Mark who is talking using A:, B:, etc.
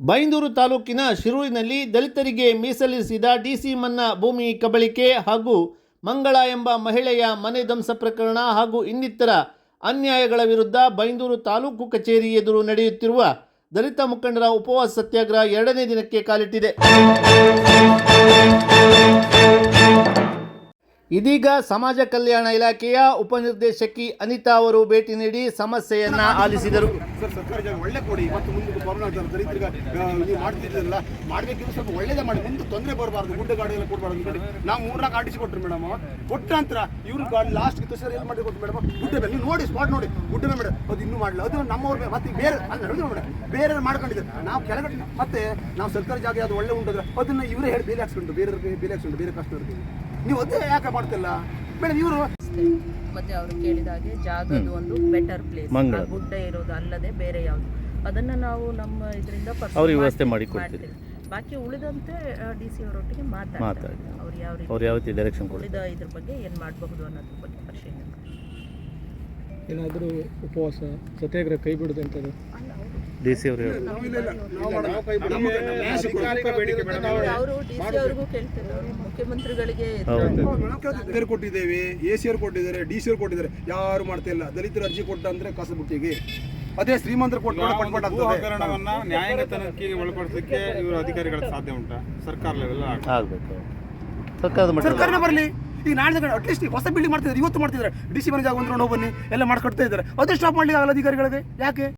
A: ಬೈಂದೂರು ತಾಲೂಕಿನ ಶಿರೂರಿನಲ್ಲಿ ದಲಿತರಿಗೆ ಮೀಸಲಿರಿಸಿದ ಡಿಸಿ ಮನ್ನಾ ಭೂಮಿ ಕಬಳಿಕೆ ಹಾಗೂ ಮಂಗಳ ಎಂಬ ಮಹಿಳೆಯ ಮನೆ ಧ್ವಂಸ ಪ್ರಕರಣ ಹಾಗೂ ಇನ್ನಿತರ ಅನ್ಯಾಯಗಳ ವಿರುದ್ಧ ಬೈಂದೂರು ತಾಲೂಕು ಕಚೇರಿ ಎದುರು ನಡೆಯುತ್ತಿರುವ ದಲಿತ ಮುಖಂಡರ ಉಪವಾಸ ಸತ್ಯಾಗ್ರಹ 2ನೇ ದಿನಕ್ಕೆ ಕಾಲಿಟ್ಟಿದೆ. ಇದೀಗ ಸಮಾಜ ಕಲ್ಯಾಣ ಇಲಾಖೆಯ ಉಪನಿರ್ದೇಶಕಿ ಅನಿತಾ ಅವರು ಭೇಟಿ ನೀಡಿ ಸಮಸ್ಯೆಯನ್ನ ಆಲಿಸಿದರು.
B: ಸರ್, ಸರ್ಕಾರ ಜಾಗ ಒಳ್ಳೆ ಕೊಡಿ, ಮತ್ತು ಮುಂದೆ ಕೊರೋನಾ ದಲಿತರಿಗೆ ನೀವು ಮಾಡ್ತಿದ್ರಲ್ಲ, ಮಾಡಬೇಕಿದ್ರೆ ಸ್ವಲ್ಪ ಒಳ್ಳೇದೇ ಮಾಡಿ, ಮುಂದೆ ತೊಂದರೆ ಬರಬಾರ್ದು, ಗುಡ್ಡ ಗಾಡಿ ಎಲ್ಲ ಕೊಡಬಾರ್ದು ನೋಡಿ. ನಾವು 3 ಆರ್ಟಿಸಿ ಕೊಟ್ಟರು ಮೇಡಮ್, ಕೊಟ್ಟ ನಂತರ ಇವ್ರು ಗಾಡಿ ಲಾಸ್ಟ್ ಸರ್ ಏನು ಮಾಡಿ ಕೊಟ್ಟು ಮೇಡಮ್, ಗುಡ್ಡ ಮೇಲೆ ನೀವು ನೋಡಿ, ಸ್ಪಾಟ್ ನೋಡಿ, ಗುಡ್ಡ ಮೇಲೆ ಮೇಡಮ್ ಅದು ಇನ್ನೂ ಮಾಡಲ್ಲ, ಅದು ನಮ್ಮವ್ರ ಮತ್ತೆ ಬೇರೆ ಅಲ್ಲಿ ಮೇಡಮ್ ಬೇರೆ ಮಾಡ್ಕೊಂಡಿದ್ದಾರೆ. ನಾವು ಕೆಳಗಡೆ ಮತ್ತೆ ನಾವು ಸರ್ಕಾರಿ ಜಾಗ ಅದು ಒಳ್ಳೆ ಉಂಟಂದ್ರೆ ಅದನ್ನು ಇವರೇ ಹೇಳಿ ಬೇರೆ ಹಾಕ್ಸ್ಕೊಂಡು ಬೇರೆ ಹಾಕ್ಸ್ಕೊಂಡು ಬೇರೆ ಕಷ್ಟದವ್ರಿಗೆ ನೀವು ಅದೇ ಯಾಕೆ ಮಾಡ್ತಿಲ್ಲ ಮೇಡಮ್? ಇವರು
C: ಮತ್ತೆ ಅವರು ಕೇಳಿದಾಗೆ ಜಾಗದ ಒಂದು ಬೆಟರ್ ಪ್ಲೇಸ್, ಗುಡ್ಡ ಇರೋದು ಅಲ್ಲದೆ ಬೇರೆ ಯಾವುದು, ಅದನ್ನ ನಾವು ನಮ್ಮ ಇದರಿಂದ
A: ವ್ಯವಸ್ಥೆ ಮಾಡಿ ಕೊಡ್ತೀವಿ.
C: ಬಾಕಿ ಉಳಿದಂತೆ ಡಿ ಸಿ ಅವರೊಟ್ಟಿಗೆ ಮಾತಾಡ್ತಾರೆ, ಅವ್ರು ಯಾವ ರೀತಿ ಡೈರೆಕ್ಷನ್ ಉಳಿದ ಇದ್ರ ಬಗ್ಗೆ ಏನು ಮಾಡಬಹುದು ಅನ್ನೋದ್ರ ಬಗ್ಗೆ ಪರಿಶೀಲನೆ ಮಾಡಿ.
D: ಏನಾದರೂ ಉಪವಾಸ ಸತ್ಯಾಗ್ರಹ ಕೈ ಬಿಡುದಂಥದ್ದು
A: ಡಿ ಸಿ ಅವರು
C: ಅವ್ರಿಗೂ ಕೇಳ್ತಿದ್ದಾರೆ, ಮುಖ್ಯಮಂತ್ರಿಗಳಿಗೆ
B: ಕೊಟ್ಟಿದ್ದೇವೆ, ಎ ಸಿ ಅವ್ರು ಕೊಟ್ಟಿದ್ದಾರೆ, ಡಿ ಸಿ ಅವ್ರು ಕೊಟ್ಟಿದ್ದಾರೆ, ಯಾರು ಮಾಡ್ತಾ ಇಲ್ಲ. ದಲಿತರು ಅರ್ಜಿ ಕೊಟ್ಟ ಅಂದ್ರೆ ಕಸಬುಟ್ಟಿಗೆ ಅದೇ ಶ್ರೀಮಂತರು
E: ಪ್ರಕರಣವನ್ನ ನ್ಯಾಯಾಂಗತನಕ್ಕೆ ಒಳಪಡಿಸಲಿಕ್ಕೆ ಇವರು ಅಧಿಕಾರಿಗಳ ಸಾಧ್ಯ ಉಂಟಾ? ಸರ್ಕಾರ ಲೆವೆಲ್
A: ಆಗಬೇಕು,
B: ಸರ್ಕಾರನೇ ಬರಲಿ. ಈಗ ನಾಳೆ ಅಟ್ಲೀಸ್ಟ್ ಹೊಸ ಬಿಲ್ಡಿಂಗ್ ಮಾಡ್ತಿದ್ದಾರೆ, ಇವತ್ತು ಮಾಡ್ತಿದ್ದಾರೆ, ಡಿ ಸಿ ಮನೆ ಜಾಗ ಒಂದು ಬನ್ನಿ ಎಲ್ಲ ಮಾಡ್ಕೊಡ್ತಾ ಇದ್ದಾರೆ, ಅದೇ ಸ್ಟಾಪ್ ಮಾಡ್ಲಿಕ್ಕೆ ಆಗಲ್ಲ ಅಧಿಕಾರಿಗಳಿಗೆ. ಯಾಕೆ?